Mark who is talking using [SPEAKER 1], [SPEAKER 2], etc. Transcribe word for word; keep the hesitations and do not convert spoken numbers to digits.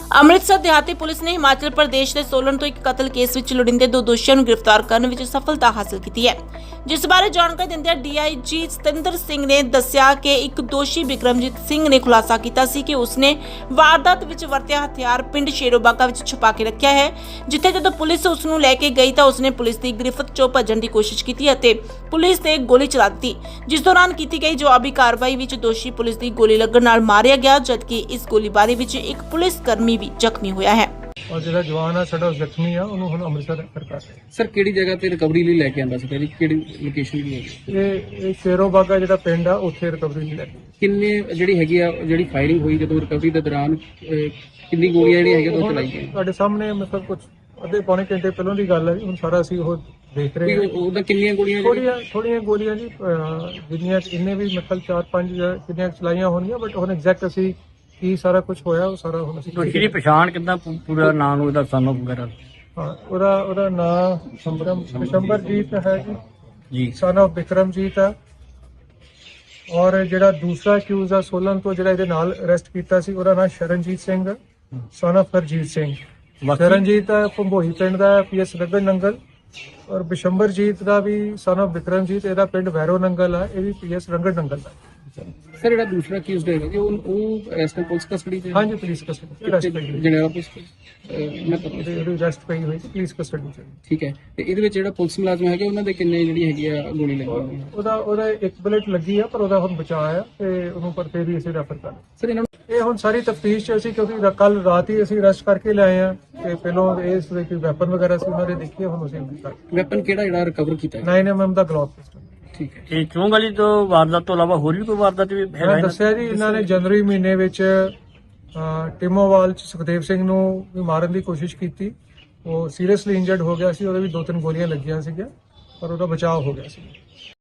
[SPEAKER 1] ਅੰਮ੍ਰਿਤਸਰ ਦਿਹਾਤੀ ਪੁਲਿਸ ਨੇ ਹਿਮਾਚਲ ਪ੍ਰਦੇਸ਼ ਦੇ ਸੋਲਨ ਤੋਂ ਇੱਕ ਕਤਲ ਕੇਸ ਵਿੱਚ ਲੋੜੀਂਦੇ ਦੋ ਦੋਸ਼ੀਆਂ ਨੂੰ ਗ੍ਰਿਫਤਾਰ ਕਰਨ ਵਿੱਚ ਸਫਲਤਾ ਹਾਸਲ ਕੀਤੀ ਹੈ, ਜਿਸ ਬਾਰੇ ਜਾਣਕਾਰੀ ਦਿੰਦਿਆਂ ਡੀਆਈਜੀ ਸਤਿੰਦਰ ਸਿੰਘ ਨੇ ਦੱਸਿਆ ਕਿ ਇੱਕ ਦੋਸ਼ੀ ਬਿਕਰਮਜੀਤ ਸਿੰਘ ਨੇ ਖੁਲਾਸਾ ਕੀਤਾ ਸੀ ਕਿ ਉਸਨੇ ਵਾਰਦਾਤ ਵਿੱਚ ਵਰਤਿਆ ਹਥਿਆਰ ਪਿੰਡ ਸ਼ੇਰੋਬਾਗਾ ਵਿੱਚ ਛੁਪਾ ਕੇ ਰੱਖਿਆ ਹੈ, ਜਿੱਥੇ ਜਦੋਂ ਪੁਲਿਸ ਉਸ ਨੂੰ ਲੈ ਕੇ ਗਈ ਤਾਂ ਉਸਨੇ ਪੁਲਿਸ ਦੀ ਗ੍ਰਿਫਤ ਚੋਂ ਭੱਜਣ ਦੀ ਕੋਸ਼ਿਸ਼ ਕੀਤੀ ਅਤੇ ਪੁਲਿਸ ਤੇ ਗੋਲੀ ਚਲਾ ਦਿੱਤੀ, ਜਿਸ ਦੌਰਾਨ ਕੀਤੀ ਗਈ ਜਵਾਬੀ ਕਾਰਵਾਈ ਵਿੱਚ ਦੋਸ਼ੀ ਪੁਲਿਸ ਦੀ ਗੋਲੀ ਲੱਗਣ ਨਾਲ ਮਾਰਿਆ ਗਿਆ, ਜਦਕਿ ਇਸ ਗੋਲੀਬਾਰੀ ਵਿੱਚ ਇੱਕ ਪੁਲਿਸ ਕਰਮੀ ਵੀ ਜ਼ਖਮੀ ਹੋਇਆ ਹੈ।
[SPEAKER 2] और जो जवान है साडा जख्मी है उन्होंने हम अमृतसर रेफर कर रहे हैं।
[SPEAKER 3] सर किहड़ी जगह ते रिकवरी लई लैके आंदा सी पहली किहड़ी लोकेशन दी है
[SPEAKER 2] ये ये शेरोबागा जिहड़ा पिंड है उत्थे रिकवरी नहीं लगी।
[SPEAKER 3] किन्ने जिहड़ी हैगी आ जिहड़ी फायरिंग होई जदों रिकवरी दे दौरान अह, किन्नी गोलियां जिहड़ियां हैगियां ਉਹ ਚਲਾਈ ਗਈਆਂ
[SPEAKER 2] ਤੁਹਾਡੇ ਸਾਹਮਣੇ ਮਤਲਬ ਕੁਝ ਅੱਧੇ ਪੌਣੇ ਘੰਟੇ ਪਹਿਲਾਂ ਦੀ ਗੱਲ ਹੈ ਜੀ, ਹੁਣ ਸਾਰਾ ਅਸੀਂ ਉਹ ਦੇਖ ਰਹੇ ਹਾਂ।
[SPEAKER 3] ਕੋਈ ਉਹਦਾ ਕਿੰਨੀਆਂ ਗੋਲੀਆਂ
[SPEAKER 2] ਥੋੜੀਆਂ ਥੋੜੀਆਂ ਗੋਲੀਆਂ ਜੀ ਅਹ, ਜਿੰਨੀਆਂ ਇੰਨੇ ਵੀ ਮਤਲਬ ਚਾਰ ਪੰਜ ਜਾਂ ਕਿੰਨੀਆਂ ਚਲਾਈਆਂ ਹੋਣਗੀਆਂ, ਬਟ ਹੁਣ ਐਗਜ਼ੈਕਟ ਅਸੀਂ ਕੀ ਸਾਰਾ ਕੁਝ ਹੋਇਆ ਉਹ ਸਾਰਾ ਹੁਣ ਅਸੀਂ
[SPEAKER 4] ਦੋਸ਼ੀ ਦੀ ਪਛਾਣ ਕਿੱਦਾਂ ਪੂ- ਪੂਰਾ ਨਾਮ ਉਹਦਾ ਸਾਨੂੰ ਵਗੈਰਾ
[SPEAKER 2] ਹਾਂ ਉਹਦਾ ਉਹਦਾ ਨਾਮ ਸ਼ੰਬਰਮ ਸ਼ੰਬਰਜੀਤ ਹੈ ਜੀ
[SPEAKER 4] ਜੀ
[SPEAKER 2] ਸਨ ਆਫ ਬਿਕਰਮਜੀਤ ਹੈ। ਔਰ ਜਿਹੜਾ ਦੂਸਰਾ ਅਕਿਊਜ਼ ਆ ਸੋਲਨ ਤੋਂ ਜਿਹੜਾ ਇਹਦੇ ਨਾਲ ਅਰੈਸਟ ਕੀਤਾ ਸੀ ਉਹਦਾ ਨਾਮ ਸ਼ਰਨਜੀਤ ਸਿੰਘ ਸਨ ਆਫ ਹਰਜੀਤ ਸਿੰਘ।
[SPEAKER 4] ਬਾਕੀ-
[SPEAKER 2] ਸ਼ਰਨਜੀਤ ਹੈ ਭੰਬੋਈ ਪਿੰਡ ਦਾ, ਪੀਐਸ ਰਗੜ ਨੰਗਲ। ਔਰ ਬਿਸ਼ੰਬਰਜੀਤ ਦਾ ਵੀ ਸਨ ਆਫ ਬਿਕਰਮਜੀਤ, ਇਹਦਾ ਪਿੰਡ ਵੈਰੋ ਨੰਗਲ ਆ, ਇਹ ਵੀ ਪੀਐਸ ਰੰਗੜ ਨੰਗਲ ਦਾ।
[SPEAKER 3] ਸਰ ਜਿਹੜਾ ਦੂਸਰਾ ਕੇਸ ਹੈਗਾ ਜੀ ਉਹ ਉਹ ਅਰੈਸਟ ਪੁਲਿਸ ਕਸਟਡੀ ਤੇ
[SPEAKER 2] ਹਾਂਜੀ ਪੁਲਿਸ ਕਸਟਡੀ ਅਰੈਸਟ ਪਈ ਹੋਈ
[SPEAKER 3] ਜਨਰਲ ਪੁਲਿਸ ਅਹ, ਮੈਂ ਪਤਾ
[SPEAKER 2] ਉਹਦੀ ਉਹਦੀ ਅਰੈਸਟ ਪਈ ਹੋਈ ਸੀ ਪੁਲਿਸ ਕਸਟਡੀ ਚ।
[SPEAKER 3] ਠੀਕ ਹੈ ਤੇ ਇਹਦੇ ਵਿੱਚ ਜਿਹੜਾ ਪੁਲਿਸ ਮੁਲਾਜ਼ਮ ਹੈਗੇ ਉਹਨਾਂ ਦੇ ਕਿੰਨੇ ਜਿਹੜੀ ਹੈਗੀ ਆ ਗੋਲੀ ਲੱਗੀ ਹੋਈ ਹੈ?
[SPEAKER 2] ਉਹਦਾ ਉਹਦਾ ਇੱਕ ਬੁਲੇਟ ਲੱਗੀ ਆ, ਪਰ ਉਹਦਾ ਹੁਣ ਬਚਾਅ ਆ ਤੇ ਉਹਨੂੰ ਪਰ ਫੇਰ ਵੀ ਅਸੀਂ ਰੈਫਰ ਕਰ ਦਿੱਤਾ।
[SPEAKER 3] ਸਰ ਇਹਨਾਂ ਨੂੰ
[SPEAKER 2] ਇਹ ਹੁਣ ਸਾਰੀ ਤਫਤੀਸ਼ ਚ ਅਸੀਂ ਕਿਉਂਕਿ ਕੱਲ ਰਾਤ ਹੀ ਅਸੀਂ ਅਰੈਸਟ ਕਰਕੇ ਲਿਆਏ ਆ ਤੇ ਪਹਿਲਾਂ ਇਸ ਦੇ ਕੋਈ ਵੈਪਨ ਵਗੈਰਾ ਸੀ ਉਹਨਾਂ ਦੇ ਦੇਖੀਏ, ਹੁਣ ਅਸੀਂ
[SPEAKER 3] ਵੈਪਨ ਕਿਹੜਾ ਜਿਹੜਾ ਰਿਕਵਰ ਕੀਤਾ ਹੈ?
[SPEAKER 2] ਨਾਈਨ ਐਮ ਐਮ ਦਾ ਗਲੋਕ ਪਿਸਟਲ।
[SPEAKER 3] ਠੀਕ ਹੈ
[SPEAKER 4] ਇਹ ਚੋਂ ਗਲੀ ਤੋਂ ਵਾਰਦਾਤ ਤੋਂ ਇਲਾਵਾ ਹੋਰ ਵੀ ਕੋਈ ਵਾਰਦਾਤ ਵੀ ਹੈਗਾ
[SPEAKER 2] ਮੈਂ
[SPEAKER 4] ਇਹਨਾਂ-
[SPEAKER 2] ਦੱਸਿਆ ਜੀ ਇਹਨਾਂ ਨੇ ਜਨਵਰੀ ਮਹੀਨੇ ਵਿੱਚ ਅਹ, ਟਿਮੋਵਾਲ ਚ ਸੁਖਦੇਵ ਸਿੰਘ ਨੂੰ ਵੀ ਮਾਰਨ ਦੀ ਕੋਸ਼ਿਸ਼ ਕੀਤੀ। ਉਹ ਸੀਰੀਅਸਲੀ ਇੰਜਰਡ ਹੋ ਗਿਆ ਸੀ, ਉਹਦੇ ਵੀ ਦੋ ਤਿੰਨ ਗੋਲੀਆਂ ਲੱਗੀਆਂ ਸੀਗੀਆਂ, ਪਰ ਉਹਦਾ ਬਚਾਅ ਹੋ ਗਿਆ ਸੀ।